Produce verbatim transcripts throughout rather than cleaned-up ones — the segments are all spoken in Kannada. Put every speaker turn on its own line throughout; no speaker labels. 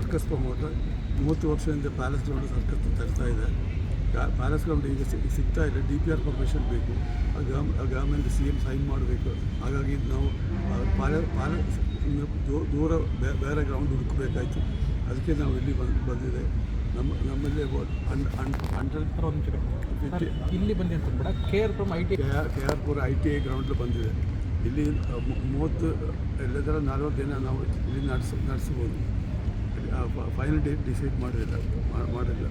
Circus promoter. ಮೂವತ್ತು ವರ್ಷದಿಂದ ಪ್ಯಾಲೇಸ್ ಗ್ರೌಂಡ್ ಸರ್ಕಸ್ ತರ್ತಾ ಇದೆ. ಪ್ಯಾಲೇಸ್ ಗ್ರೌಂಡ್ ಈಗ ಸಿಗ್ತಾ ಇದೆ. ಡಿ ಪಿ ಆರ್ ಪರ್ಮಿಷನ್ ಬೇಕು, ಗವರ್ಮೆಂಟ್ ಸಿ ಎಮ್ ಸೈನ್ ಮಾಡಬೇಕು. ಹಾಗಾಗಿ ನಾವು ಪ್ಯಾಲೆ ಪ್ಯಾಲೇಸ್ ದೂರ ಬೇರೆ ಗ್ರೌಂಡ್ ಹುಡುಕಬೇಕಾಯ್ತು. ಅದಕ್ಕೆ ನಾವು ಇಲ್ಲಿ ಬಂದು ಬಂದಿದೆ. ನಮ್ಮ ನಮ್ಮಲ್ಲಿ ಹಂಡ್ರೆಡ್ ಫಿಫ್ಟಿ
ಇಲ್ಲಿ ಬಂದಿ ಅಂತ ಕೂಡ K R Puram I T
K R Pura I T I ground ಬಂದಿದೆ. ಇಲ್ಲಿ ಮೂವತ್ತು ಎಲ್ಲದರ ನಲ್ವತ್ತು ದಿನ ನಾವು ಇಲ್ಲಿ ನಡೆಸ ನಡೆಸ್ಬೋದು. ಫೈನಲ್ ಡೇಟ್ ಡಿಸೈಡ್ ಮಾಡಿಲ್ಲ ಮಾಡಿಲ್ಲ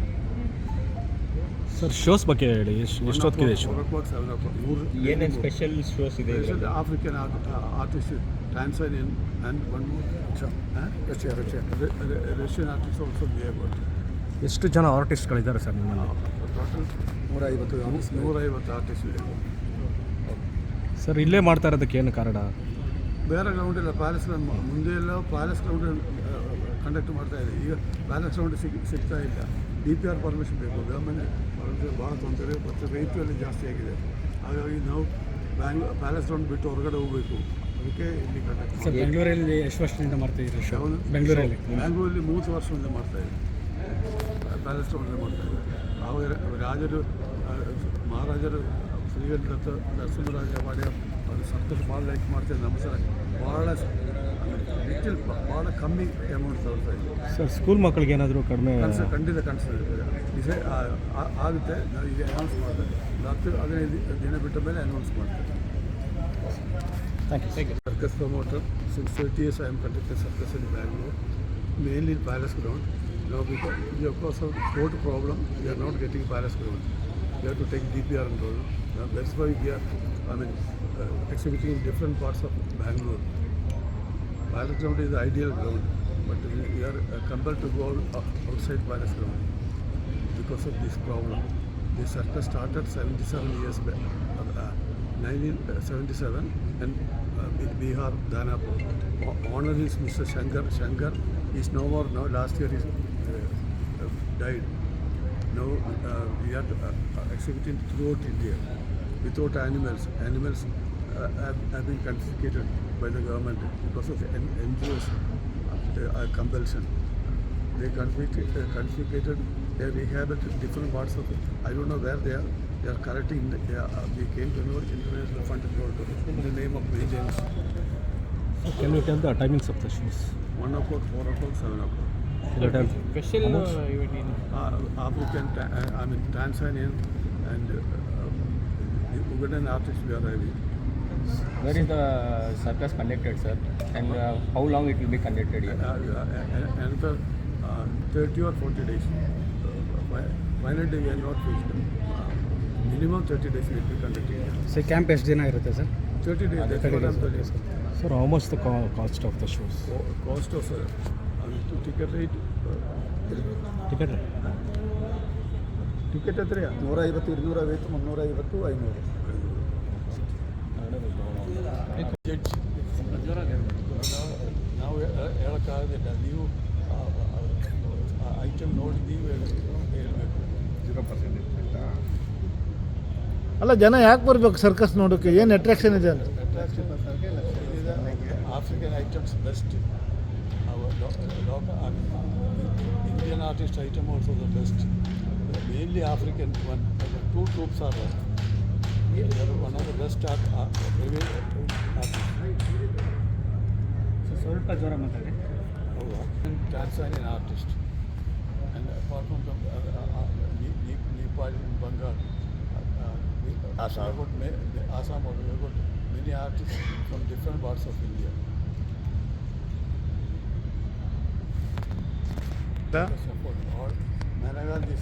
ಸರ್. ಶೋಸ್ ಬಗ್ಗೆ ಹೇಳಿ, ಎಷ್ಟೊತ್ತಿದೆ show?
Four o'clock seven o'clock ಮೂರು
ಏನೇನು ಸ್ಪೆಷಲ್ ಶೋಸ್ ಇದೆ?
African artist, Tanzanian and one Russia Russia Russian artist also behave.
ಎಷ್ಟು ಜನ ಆರ್ಟಿಸ್ಟ್ಗಳಿದ್ದಾರೆ ಸರ್ ನಿಮ್ಮಲ್ಲಿ?
ಟೋಟಲ್ ನೂರ ಐವತ್ತು ನೂರೈವತ್ತು ಆರ್ಟಿಸ್ಟ್ ಇದೆ
ಸರ್. ಇಲ್ಲೇ ಮಾಡ್ತಾ ಇರೋದಕ್ಕೆ ಏನು ಕಾರಣ?
ಬೇರೆ ಗ್ರೌಂಡ್ ಇಲ್ಲ. ಪ್ಯಾಲೇಸ್ ಗ್ರೌಂಡ್ ಮುಂದೆ ಎಲ್ಲ ಪ್ಯಾಲೇಸ್ ಗ್ರೌಂಡ್ ಕಂಡಕ್ಟ್ ಮಾಡ್ತಾ ಇದೆ. ಈಗ ಪ್ಯಾಲೇಸ್ ಗ್ರೌಂಡ್ ಸಿಗ್ ಸಿಗ್ತಾ ಇಲ್ಲ. ಡಿ ಪಿ ಆರ್ ಪರ್ಮಿಷನ್ ಬೇಕು. ಗವರ್ಮೆಂಟ್ ಭಾಳ ತೊಂದರೆ ಮತ್ತು ರೇಟಲ್ಲಿ ಜಾಸ್ತಿ ಆಗಿದೆ. ಹಾಗಾಗಿ ನಾವು ಬ್ಯಾಂಗ್ಳೂರ್ ಪ್ಯಾಲೇಸ್ ಗ್ರೌಂಡ್ ಬಿಟ್ಟು ಹೊರಗಡೆ ಹೋಗಬೇಕು. ಅದಕ್ಕೆ ಇಲ್ಲಿ ಕಂಡಕ್ಟ್
ಸರ್. ಬೆಂಗಳೂರಲ್ಲಿ ಎಷ್ಟು ವರ್ಷದಿಂದ ಮಾಡ್ತಾಯಿದ್ದೀರಿ ಶೋ?
ಬೆಂಗಳೂರಲ್ಲಿ ಬೆಂಗಳೂರಲ್ಲಿ ಮೂವತ್ತು ವರ್ಷದಿಂದ ಮಾಡ್ತಾಯಿದ್ದೆ. ಪ್ಯಾಲೇಸ್ ಗ್ರೌಂಡಲ್ಲಿ ಮಾಡ್ತಾಯಿದ್ದೆ. ಆವಾಗ ರಾಜರು ಮಹಾರಾಜರು ಶ್ರೀಗಂಧ ನರಸಿಂಹರಾಜ ಒಡೆಯ ಅದು ಸರ್ಕಸ್ ಭಾಳ ಲೈಕ್ ಮಾಡ್ತಾರೆ. ನಮ್ಮ ಸಲ ಭಾಳ ಲಿಟಲ್ ಭಾಳ ಕಮ್ಮಿ ಅಮೌಂಟ್ ತಗೊಳ್ತಾ ಇದ್ದೀವಿ
ಸರ್. ಸ್ಕೂಲ್ ಮಕ್ಕಳಿಗೆ ಏನಾದರೂ ಕಡಿಮೆ
ಕನಸು ಖಂಡಿತ ಕನಸಿದೆ. ಡಿಸೈ ಆಗುತ್ತೆ. ನಾವು ಈಗ ಅನೌನ್ಸ್ ಮಾಡ್ತೇವೆ. ಹತ್ತು ಹದಿನೈದು ದಿನ ಬಿಟ್ಟ ಮೇಲೆ ಅನೌನ್ಸ್ ಮಾಡ್ತೇವೆ.
Thank you. Thank you.
Circus promoter since thirty years I am conducting circus in Bangalore, mainly in Palace Ground. Now because, because of court problem, we are not getting Palace Ground. We have to take D P R and all. Now that's why we are, I mean, uh, exhibiting in different parts of Bangalore. Palace Ground is the ideal ground, but we, we are uh, compelled to go out, outside Palace Ground because of this problem. The circus started seventy-seven years back, uh, nineteen seventy-seven, and uh, Bihar, Danapur. Honor is Mister Shankar. Shankar is no more now. Last year he uh, uh, died. Now uh, we are uh, exhibiting throughout India without animals. Animals uh, have, have been confiscated by the government because of the N G Os uh, compulsion. They confiscated, uh, confiscated. They are rehabilitated different parts of it. I don't know where they are. They are correcting. They are, uh, we came to know international fund in the name of vengeance.
So can you tell the timings of the shows?
One o'clock, four o'clock, seven o'clock.
Special ಇವನ್ ಏನು?
Uh, African, uh, I mean Tanzanian and uh, Ugandan artists we are having.
Where is the circus conducted, sir? And uh, how long it will be conducted here?
Uh, uh, another uh, thirty or forty days. Uh, final day we are not fixed. Uh, minimum thirty days will be conducted.
Sir camp ಎಷ್ಟು ದಿನ ಇರುತ್ತೆ sir?
thirty days. That's what I'm telling you.
Sir, how much the co- cost of the shows?
Co- Cost of uh, uh, ticket rate.
Ticket?
Ticket ಹತ್ರ
ನೂರ ಐವತ್ತು ಇನ್ನೂರ ಐವತ್ತು ಮುನ್ನೂರ ಐವತ್ತು ಐನೂರು.
ನಾವು ಹೇಳೋಕ್ಕಾಗೋದಿಲ್ಲ. ನೀವು ಐಟಮ್ ನೋಡಿ ನೀವು ಹೇಳಬೇಕು. ಜೀರೋ ಪರ್ಸೆಂಟೇಜ್
ಅಲ್ಲ, ಜನ ಯಾಕೆ ಬರಬೇಕು ಸರ್ಕಸ್ ನೋಡೋಕ್ಕೆ? ಏನು ಅಟ್ರಾಕ್ಷನ್ ಇದೆ ಅಂತ?
Attraction African items best. Indian artist item also the best. Mainly African one. Two troops are there. They are one of the best art, art, artists.
ಸ್ವಲ್ಪ ಜ್ವರ ಮಾತಾಡಿ.
Tanzanian artist. And apart from the uh, uh, Nepal, Bengal, uh, uh, Assam, we have got, Assam, we have got many artists from different parts of India. Support all Managal this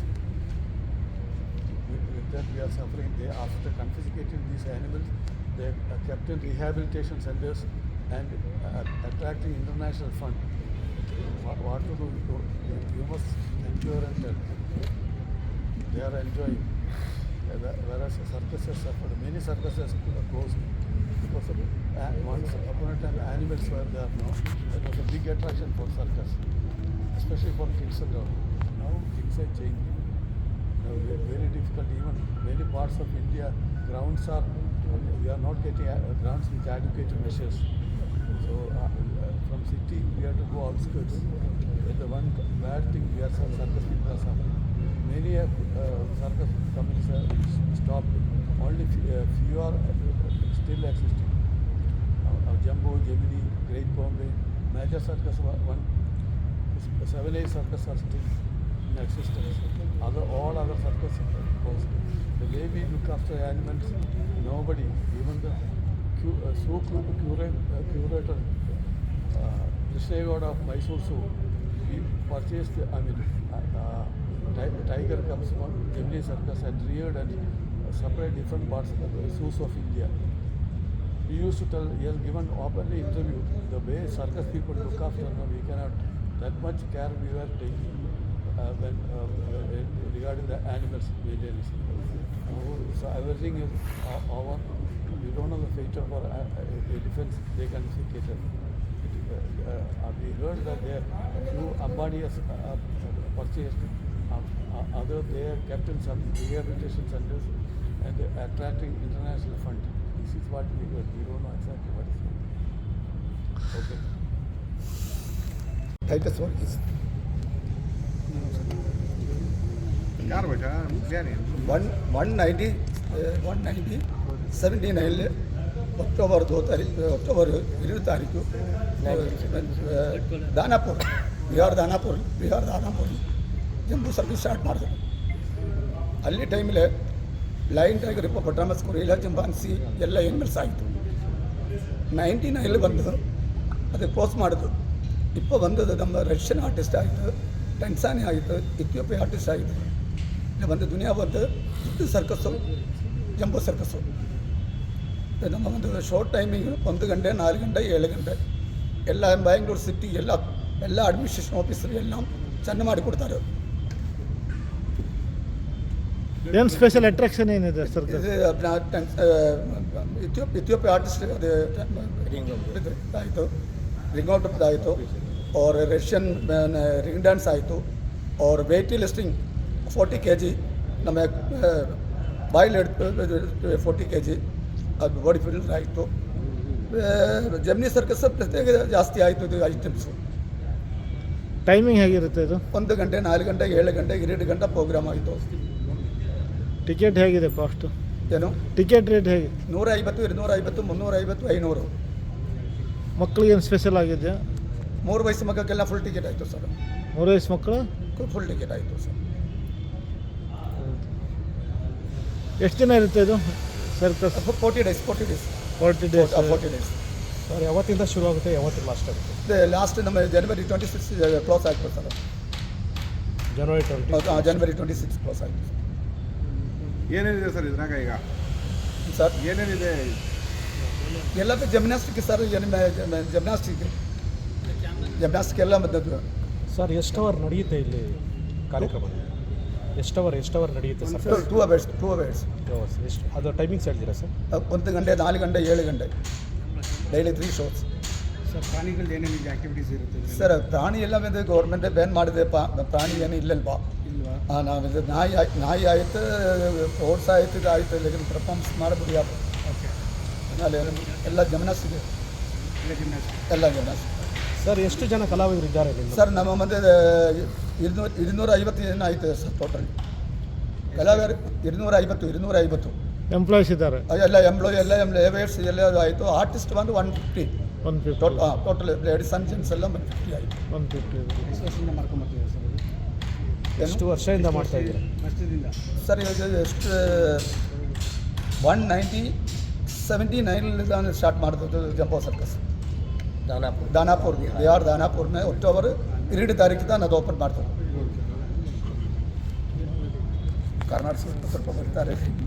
with that we are suffering. They after confiscating these animals, they are kept in rehabilitation centers and uh, attracting international fund. What, what to do? You, you must endure and tell. They are enjoying. Whereas circuses suffered, many circuses are closed because of uh, once upon a time animals were there. No, that was a big attraction for circus, especially for kids and all. Now things are changing. Now very, very difficult. Even many parts of India, grounds are, we are not getting uh, grounds with adequate measures. So uh, uh, from city we have to go outskirts. That's the one bad thing we are some circus people are suffering. Many uh, circus companies are stopped. Only few, uh, few are uh, still existing. Uh, uh, Jumbo, Gemini, Great Bombay, major circus wa- one, seven eight circus are still in existence. Other all other circus are closed. The way we look after animals, nobody, even the cu- uh, zoo cu- cura- uh, curator, uh, Krishnagowda of Mysore Zoo, we purchased, the, I mean, uh, uh, ti- tiger comes from Gemini circus and reared and uh, separate different parts of the zoos of India. We used to tell, he has given openly interview, the way circus people look after them, we cannot, that much care we were taking uh, when uh, uh, regarding the animals maintenance. Now, so everything is o- over. We don't know the fate of our uh, uh, elephants, they can see cater. Uh, uh, we heard that there few Ambani has uh, purchased, um, uh, other they are kept in some rehabilitation centers and they are attracting international fund. This is what we heard. We don't know exactly what is it. Okay.
Titus one is
ಯಾರು ಬೇಕಾ ಮುಖ್ಯಾನಿ
one one ninety one ninety seventy nine October दो तारीख अक्टोबर इरवै तारीखु Danapur Bihar Danapur Bihar Danapur Jumbo service start ಮಾಡಿದ್ರು ಅಲ್ಲಿ ಟೈಮಲ್ಲಿ ಲೈನ್ ಟೈಗರ್ ಹಿಪ್ಪೋಪೊಟಾಮಸ್ ಕೊರಿಯಾ ಚಿಂಪಾಂಜಿ ಎಲ್ಲ ಎನಿಮಲ್ಸ್ ಆಯಿತು ನೈಂಟಿ ನೈನಲ್ಲಿ ಬಂದು ಅದು ಕ್ಲೋಸ್ ಮಾಡಿದ್ರು ಇಪ್ಪ ಬಂದದ್ದು ನಮ್ಮ ರಷ್ಯನ್ ಆರ್ಟಿಸ್ಟ್ ಆಯಿತು ಟೆನ್ಸಾನಿ ಆಯಿತು ಇಥಿಯೋಪಿಯಾ ಆರ್ಟಿಸ್ಟ್ ಆಯಿತು ಇಲ್ಲಿ ಬಂದು ದುನಿಯಾ ಬಂದು ಇದು ಸರ್ಕಸ್ಸು ಜಂಬೋ ಸರ್ಕಸ್ಸು ನಮ್ಮ ಒಂದು ಶಾರ್ಟ್ ಟೈಮಿಂಗ್ ಒಂದು ಗಂಟೆ ನಾಲ್ಕು ಗಂಟೆ ಏಳು ಗಂಟೆ ಎಲ್ಲ ಬ್ಯಾಂಗ್ಳೂರು ಸಿಟಿ ಎಲ್ಲ ಎಲ್ಲ ಅಡ್ಮಿನಿಸ್ಟ್ರೇಷನ್ ಆಫೀಸರು ಎಲ್ಲ ಚೆಂದ ಮಾಡಿಕೊಡ್ತಾರೆ
ಏನು ಸ್ಪೆಷಲ್ ಅಟ್ರಾಕ್ಷನ್ ಏನಿದೆ ಸರ್
ಇದು ಇಥಿಯೋಪ್ ಇಥಿಯೋಪಿಯಾ ಆರ್ಟಿಸ್ಟ್ ಅದು ಆಯಿತು ರಿಂಗ್ ಔಟ್ ಆಯಿತು और रशियन रिंग डांस आಯಿತು और weight lifting forty K G ನಮ್ಮ ಬಾಯ್ಲ್ ಫೋರ್ಟಿ ಕೆ ಜಿ ಅದು ಬಾಡಿ ಫಿಲ್ಟರ್ ಆಯಿತು ಜಮ್ನಿ ಸರ್ಕಸ್ ಪ್ರತ್ಯೇಕ ಜಾಸ್ತಿ ಆಯಿತು ಇದು ಐಟಮ್ಸು
ಟೈಮಿಂಗ್ ಹೇಗಿರುತ್ತೆ ಇದು
ಒಂದು ಗಂಟೆ ನಾಲ್ಕು ಗಂಟೆ ಏಳು ಗಂಟೆ ಎರಡು ಗಂಟೆ ಪ್ರೋಗ್ರಾಮ್ ಆಯಿತು
ಟಿಕೆಟ್ ಹೇಗಿದೆ ಕಾಸ್ಟು
ಏನು
ಟಿಕೆಟ್ ರೇಟ್ ಹೇಗೆ
ನೂರ ಐವತ್ತು ഇരുന്നൂರ ಐವತ್ತು ಮುನ್ನೂರ ಐವತ್ತು ಐನೂರು
ಮಕ್ಕಳಿಗೆ ಏನು ಸ್ಪೆಷಲ್ ಆಗಿದೆಯಾ
ಮೂರು ವಯಸ್ಸು ಮಕ್ಕಳಿಗೆಲ್ಲ ಫುಲ್ ಟಿಕೆಟ್ ಆಯಿತು ಸರ್
ಮೂರು ವಯಸ್ಸು ಮಕ್ಕಳು
ಫುಲ್ ಟಿಕೆಟ್ ಆಯಿತು ಸರ್
ಎಷ್ಟು ದಿನ ಇರುತ್ತೆ ಇದು circus
forty days forty days
forty days
forty days
sir ಯಾವತ್ತಿಂದ ಶುರು ಆಗುತ್ತೆ ಯಾವತ್ತಿಂದ ಲಾಸ್ಟ್ ಆಗುತ್ತೆ
ಲಾಸ್ಟ್ ನಮ್ಮ ಜನವರಿ ಟ್ವೆಂಟಿ ಸಿಕ್ಸ್ ಕ್ಲೋಸ್ ಆಗ್ತದೆ ಸರ್
ಜನವರಿ ಟ್ವೆಂಟಿ
ಜನವರಿ ಟ್ವೆಂಟಿ ಸಿಕ್ಸ್ ಕ್ಲೋಸ್ ಆಯಿತು
ಏನೇನಿದೆ ಸರ್ ಇದ್ರಾಗ ಈಗ
ಸರ್
ಏನೇನಿದೆ
ಎಲ್ಲ ಜಿಮ್ನಾಸ್ಟಿಕ್ ಸರ್ ಜಿಮ್ನಾಸ್ಟಿಕ್ ಜಿಮ್ನಾಸ್ಟಿಕ್ ಎಲ್ಲ ಬಂದದ್ದು
ಸರ್ ಎಷ್ಟು ಅವರ್ ನಡೆಯುತ್ತೆ ಇಲ್ಲಿ ಕಾರ್ಯಕ್ರಮ ಎಷ್ಟು ಅವರ್ ಎಷ್ಟು ಅವರ್ ನಡೆಯುತ್ತೆ sir
two hours two hours
ಎಷ್ಟು ಅದು ಟೈಮಿಂಗ್ಸ್ ಹೇಳ್ತೀರಾ ಸರ್
ಒಂದು ಗಂಟೆ ನಾಲ್ಕು ಗಂಟೆ ಏಳು ಗಂಟೆ ಡೈಲಿ ತ್ರೀ ಶೋಸ್
ಸರ್ ಪ್ರಾಣಿಗಳು ಏನೇನಿದೆ ಆ್ಯಕ್ಟಿವಿಟೀಸ್ ಇರುತ್ತೆ
ಸರ್ ಪ್ರಾಣಿ ಎಲ್ಲ ಬಂದು ಗೌರ್ಮೆಂಟೇ ಬ್ಯಾನ್ ಮಾಡಿದೆ ಪಾ ಪ್ರಾಣಿ ಏನು ಇಲ್ಲಲ್ವಾ
ಇಲ್ವಾ
ಹಾಂ ನಾವು ಇದು ನಾಯಿ ಆಯ್ ನಾಯಿ ಆಯಿತು ಫ್ರೋಡ್ಸ್ ಆಯಿತು ಇದು ಆಯಿತು ಲೇಕಿನ್ ಪರ್ಫಾರ್ಮೆನ್ಸ್ ಮಾಡಬಹುದು ಯಾರು
ಓಕೆ
ಅಲ್ಲಿ ಎಲ್ಲ ಜಿಮ್ನಾಸ್ಟಿಕ್
ಇಲ್ಲ ಜಿಮ್ನಾಸ್ಟಿಕ್
ಎಲ್ಲ ಜಿಮ್ನಾಸ್ಟಿಕ್
ಸರ್ ಎಷ್ಟು ಜನ ಕಲಾವಿದರು ಇದ್ದಾರೆ ಇಲ್ಲಿ
ಸರ್ ನಮ್ಮ ಮುಂದೆ ഇരുന്നൂറ് ഇരുന്നൂರ ಐವತ್ತು ಜನ ಆಯಿತು ಸರ್ ಟೋಟಲ್ ಕಲಾವಿದರು ഇരുന്നൂರ ಐವತ್ತು ഇരുന്നೂರ ಐವತ್ತು
ಎಂಪ್ಲಾಯೀಸ್ ಇದ್ದಾರೆ
ಎಲ್ಲ ಎಂಪ್ಲಾಯ್ ಎಲ್ಲ ಲೇಬರ್ಸ್ ಎಲ್ಲ ಆಯಿತು ಆರ್ಟಿಸ್ಟ್ ಬಂದು one fifty
one fifty
total ಹಾಂ ಟೋಟಲ್ ಲೇಡೀಸ್ ಆ್ಯಂಡ್ ಜೆಂಟ್ಸ್ ಎಲ್ಲ ಒನ್ ಫಿಫ್ಟಿ ಆಯಿತು
ಒನ್ ಫಿಫ್ಟಿ ಎಷ್ಟು ವರ್ಷದಿಂದ ಮಾಡ್ಕೊಂಬರ್ತೀವಿ ಸರ್ ಇದು
ಎಷ್ಟು ವರ್ಷದಿಂದ ಮಾಡ್ತಾ ಇದ್ದೀರಾ
ವರ್ಷದಿಂದ
ಸರ್ ಇವಾಗ ಎಷ್ಟು ಒನ್ ನೈಂಟಿ ಸೆವೆಂಟಿ ನೈನಲ್ಲಿ ನಾನು ಸ್ಟಾರ್ಟ್ ಮಾಡಿದ್ದು ಜಂಬೋ ಸರ್ಕಸ್
ದಾನಾಪುರ್
दानापुर बिहार दानापुर में अक्टूबर ಎರಡು ತಾರೀಕು ನಾನು ಅದು ಓಪನ್ ಮಾಡ್ತಾರೆ ಕರ್ನಾಟಕ ಸ್ವಲ್ಪ ಬರ್ತಾರೆ